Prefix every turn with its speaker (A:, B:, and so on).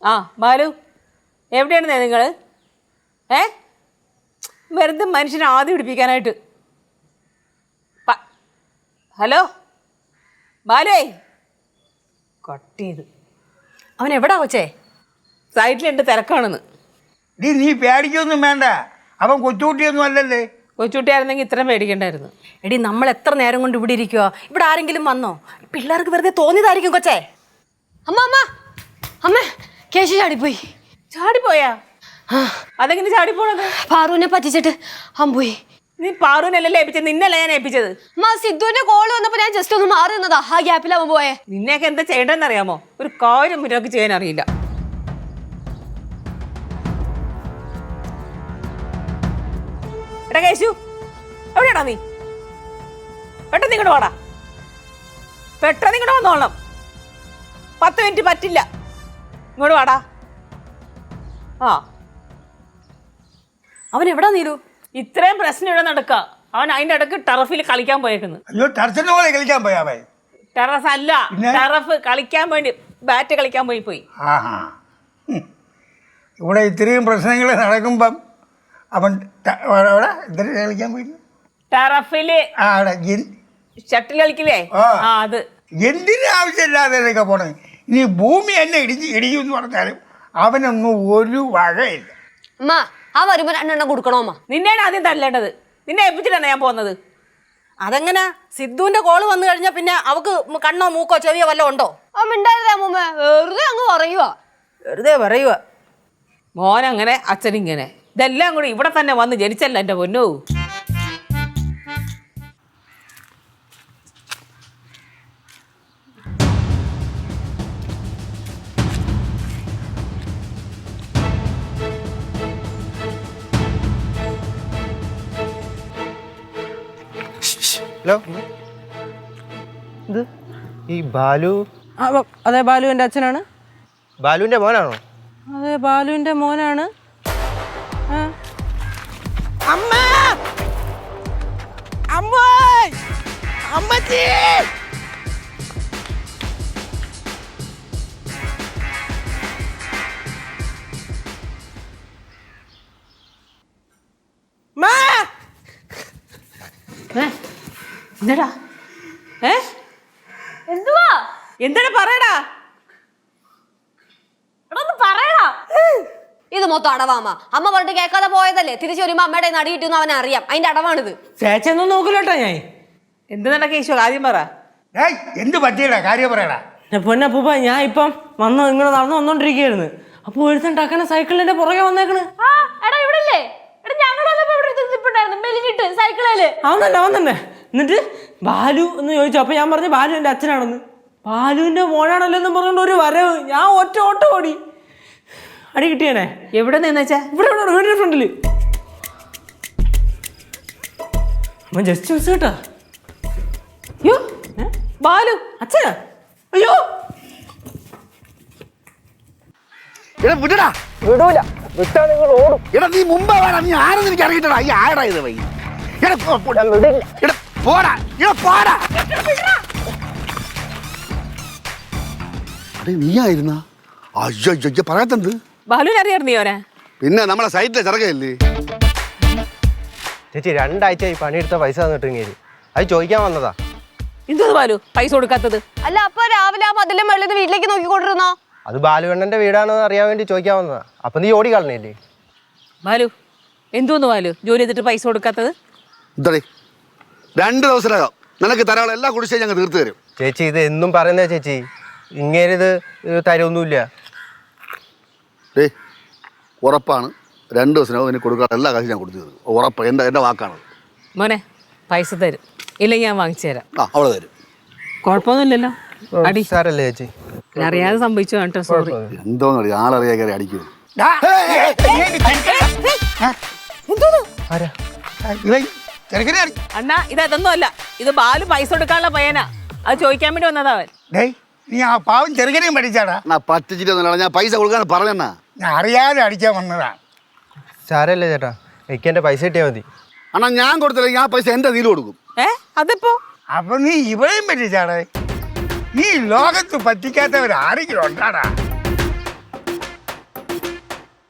A: ആ ബാലു, എവിടെയാണെന്നേ നിങ്ങൾ? വെറുതെ മനുഷ്യനെ ആദ്യം പിടിപ്പിക്കാനായിട്ട്. ഹലോ ബാലുവേ, കട്ട് ചെയ്ത്.
B: അവൻ എവിടാ കൊച്ചേ?
A: സൈറ്റിലുണ്ട്, തിരക്കാണെന്ന്.
C: നീ പേടിക്കൊന്നും വേണ്ട, അവൻ കൊച്ചുകുട്ടിയൊന്നും അല്ലല്ലേ.
A: കൊച്ചുകുട്ടിയായിരുന്നെങ്കിൽ ഇത്രയും പേടിക്കണ്ടായിരുന്നു.
B: എടി നമ്മൾ എത്ര നേരം കൊണ്ട് ഇവിടെ ഇരിക്കുക? ഇവിടെ ആരെങ്കിലും വന്നോ? പിള്ളേർക്ക് വെറുതെ തോന്നിയതായിരിക്കും കൊച്ചേ.
D: അമ്മ അമ്മ അമ്മ കേശു ചാടിപ്പോയി.
A: ചാടിപ്പോയാ? അതെങ്ങനെ ചാടിപ്പോണത്?
D: പാറുവിനെ പറ്റിച്ചിട്ട് അവൻ പോയി.
A: നീ പാറുവിനല്ലേ ഏൽപ്പിച്ചത്? നിന്നല്ല ഞാൻ ഏൽപ്പിച്ചത്.
D: അമ്മ സിദ്ധുവിന്റെ കോള് വന്നപ്പോ ഞാൻ ജസ്റ്റ് ഒന്ന് മാറി നിന്നതാ. ആ ഗ്യാപ്പിൽ അവൻ പോയേ.
A: നിന്നെയൊക്കെ എന്താ ചെയ്യേണ്ടതെന്ന് അറിയാമോ? ഒരു കാര്യം മുന്നോട്ട് ചെയ്യാൻ അറിയില്ല. എടാ കേശു, എവിടെയാടാ നീ? പെട്ടെന്ന് ഇങ്ങോട്ട് വാടാ, പെട്ടെന്ന് ഇങ്ങോട്ട് വന്നോളണം. 10 മിനിറ്റ് പറ്റില്ല. ഇങ്ങോട്ട് വാടാ. ആ,
B: അവൻ എവിടാ നീലു?
A: ഇത്രയും പ്രശ്നം ഇവിടെ നടക്കുക. അവൻ അതിന്റെ ഇടക്ക് ടർഫിൽ കളിക്കാൻ പോയേക്കുന്നു.
C: അയ്യോ, ടെറസിന്റെ പോലെ കളിക്കാൻ പോയാവേ?
A: ടെറസ് അല്ല, ടർഫ് കളിക്കാൻ വേണ്ടി ബാറ്റ് കളിക്കാൻ പോയി.
C: ആഹാ, ഇവിടെ ഇത്രയും പ്രശ്നങ്ങൾ നടക്കുമ്പം അവൻ എന്തിനു കളിക്കാൻ പോയി?
A: ടർഫില് ഷട്ടിൽ കളിക്കില്ലേ? അത്
C: എന്തിനു ആവശ്യമില്ലാതെ പോണേ. ഇനി ഭൂമി എന്നെ ഇടിക്കുമെന്ന് പറഞ്ഞാലും അവനൊന്നും ഒരു വകയില്ല.
D: അമ്മ ആ വരുമ്പോ 2 എണ്ണം കൊടുക്കണോ? അമ്മ
A: നിന്നെയാണ് ആദ്യം തല്ലേണ്ടത്. നിന്നെ ഏൽപ്പിച്ചിട്ടാണ് ഞാൻ പോകുന്നത്.
B: അതെങ്ങനെ? സിദ്ധുവിന്റെ കോള് വന്നു കഴിഞ്ഞാൽ പിന്നെ അവക്ക് കണ്ണോ മൂക്കോ ചെവിയോ വല്ലതും ഉണ്ടോ?
D: അവൻ മിണ്ടായിരുന്നേ അമ്മൂമ്മ, വെറുതെ അങ്ങ് പറയുവാ.
B: വെറുതെ പറയുക.
A: മോനങ്ങനെ അച്ഛനിങ്ങനെ, ഇതെല്ലാം കൂടി ഇവിടെ തന്നെ വന്ന് ജനിച്ചല്ല എൻ്റെ പൊന്നോ.
E: ഹലോ, ഇത് ഈ ബാലു?
B: അതെ, ബാലുവിന്റെ അച്ഛനാണ്.
E: ബാലുവിന്റെ മോനാണോ?
B: അതെ, ബാലുവിന്റെ മോനാണ്.
A: അമ്മ, അമ്മച്ചി, എന്താടാ?
D: എന്തുവാ?
A: എന്താടാ പറയടാ?
D: പറയടാ. ഇത് മൊത്തം അടവാമ്മ. അമ്മ പറഞ്ഞിട്ട് കേൾക്കാതെ പോയതല്ലേ. തിരിച്ചു വരുമ്പോ അമ്മയുടെ നടി കിട്ടുന്ന അവനെ അറിയാം. അതിന്റെ അടവാണിത്.
A: ചേച്ചൊന്നും നോക്കില്ലോട്ടാ ഞാൻ. എന്ത് നടക്കുക ഈശോ? ആദ്യം പറ.
C: എന്ത് പറ്റിയടാ? കാര്യം പറയടാ.
F: പൊന്നപ്പൂപ്പ, ഞാൻ ഇപ്പം ഇങ്ങനെ നടന്നു വന്നോണ്ടിരിക്കുകയായിരുന്നു. അപ്പൊ ഒരുത്തൻ ടക്കന സൈക്കിളിന്റെ പുറകെ വന്നേക്കണ്. അവൻ തന്നെ. എന്നിട്ട് ബാലു എന്ന് ചോദിച്ചു. അപ്പൊ ഞാൻ പറഞ്ഞു ബാലു എന്റെ അച്ഛനാണെന്ന്. ബാലുവിന്റെ മോനാണല്ലോ എന്ന് പറഞ്ഞോണ്ട് ഒരു വരവ്. ഞാൻ ഒറ്റ ഓട്ടം ഓടി. അടി കിട്ടിയാണേ.
A: എവിടെ നിന്നെച്ചാ?
F: ഇവിടെ വീടിന്റെ ഫ്രണ്ടില്. ജസ്റ്റ് മിസ് കേട്ടാ.
A: അയ്യോ, ബാലു
F: അച്ഛനാ? അയ്യോ,
C: വിടടാ.
F: വിടൂല. വിട്ടാ നിങ്ങൾ ഓടും.
C: എടാ, നീ മുമ്പേ വേണം. നീ ആരെന്ന് എനിക്ക് അറിയിട്ടടാ. ഈ ആടാ ഇത് വൈ. പോടാ, പോടാ. നീയായിരുന്ന? അയ്യോ, പറയാത്തത്.
A: ബാലുവിനെ അറിയാറുണ്ട് നീ? ഓനെ
C: പിന്നെ നമ്മളെ സൈറ്റിലെ ചെറുകയല്ലേ
E: ചേച്ചി? 2 ആഴ്ചയായി പണിയെടുത്ത പൈസ തന്നിട്ട് അത് ചോദിക്കാൻ വന്നതാ.
A: എന്തോ ബാലു പൈസ കൊടുക്കാത്തത്?
D: അല്ല, അപ്പൊ രാവിലെ ആ മതിലെ വെള്ളിൽ വീട്ടിലേക്ക് നോക്കിക്കൊണ്ടിരുന്നോ?
E: അത് ബാലുവണ്ണന്റെ വീടാണെന്ന് അറിയാൻ വേണ്ടി ചോദിക്കാൻ വന്നതാ. അപ്പൊ നീ ഓടി കളഞ്ഞില്ലേ?
A: ബാലു, എന്തോന്ന് ബാലു ജോലി ചെയ്തിട്ട് പൈസ കൊടുക്കാത്തത്?
G: 2 ദിവസത്തിനകം നിനക്ക് തരാനുള്ള എല്ലാ കുടിശ്ശികയും ഞങ്ങൾ തീർത്തു തരും.
E: ചേച്ചി, ഇത് എന്നും പറയുന്നേ ചേച്ചി. ഇങ്ങേരിത് തരൊന്നുമില്ല.
G: ഉറപ്പാണ്. 2 ദിവസത്തിനകം എനിക്ക് കൊടുക്കാത്ത എല്ലാ കാശും ഞാൻ കൊടുത്തു തരും. ഉറപ്പ്. എൻ്റെ വാക്കാണ്.
A: മോനെ, പൈസ തരും, ഇല്ലെങ്കിൽ ഞാൻ വാങ്ങിച്ചു തരാം.
G: അവളെ തരും.
A: കുഴപ്പമൊന്നുമില്ലല്ലോ. അടി
E: സാരല്ലേ ചേച്ചി?
A: അറിയാതെ സംഭവിച്ചു കേട്ടോ, സോറി.
G: എന്തോന്നറിയാം, ആളറിയാ കയറി അടിക്കുന്നു.
A: അണ്ണാ, ഇതൊന്നും അല്ല. ഇത് ബാലു പൈസ കൊടുക്കാനുള്ള പയ്യനാ. അത് ചോദിക്കാൻ വേണ്ടി വന്നതാ അവൻ.
C: നീ ആ പാവം ചെറുകനെയും പഠിച്ചാടാ.
G: പറ്റിച്ചിട്ടൊന്നുമില്ല, ഞാൻ പൈസ കൊടുക്കാൻ പറഞ്ഞാ.
C: ഞാൻ അറിയാതെ അടിക്കാൻ വന്നതാ.
E: സാരല്ലേ ചേട്ടാ, എനിക്ക് എന്റെ പൈസ കിട്ടിയാൽ മതി.
G: അണ്ണാ, ഞാൻ കൊടുത്തില്ലെങ്കിൽ ആ പൈസ എൻ്റെ കയ്യിൽ കൊടുക്കും.
A: അതിപ്പോ?
C: അപ്പൊ നീ ഇവളെയും പറ്റിച്ചാടേ. നീ ലോകത്ത് പറ്റിക്കാത്തവരാരെങ്കിലും ഉണ്ടാടാ?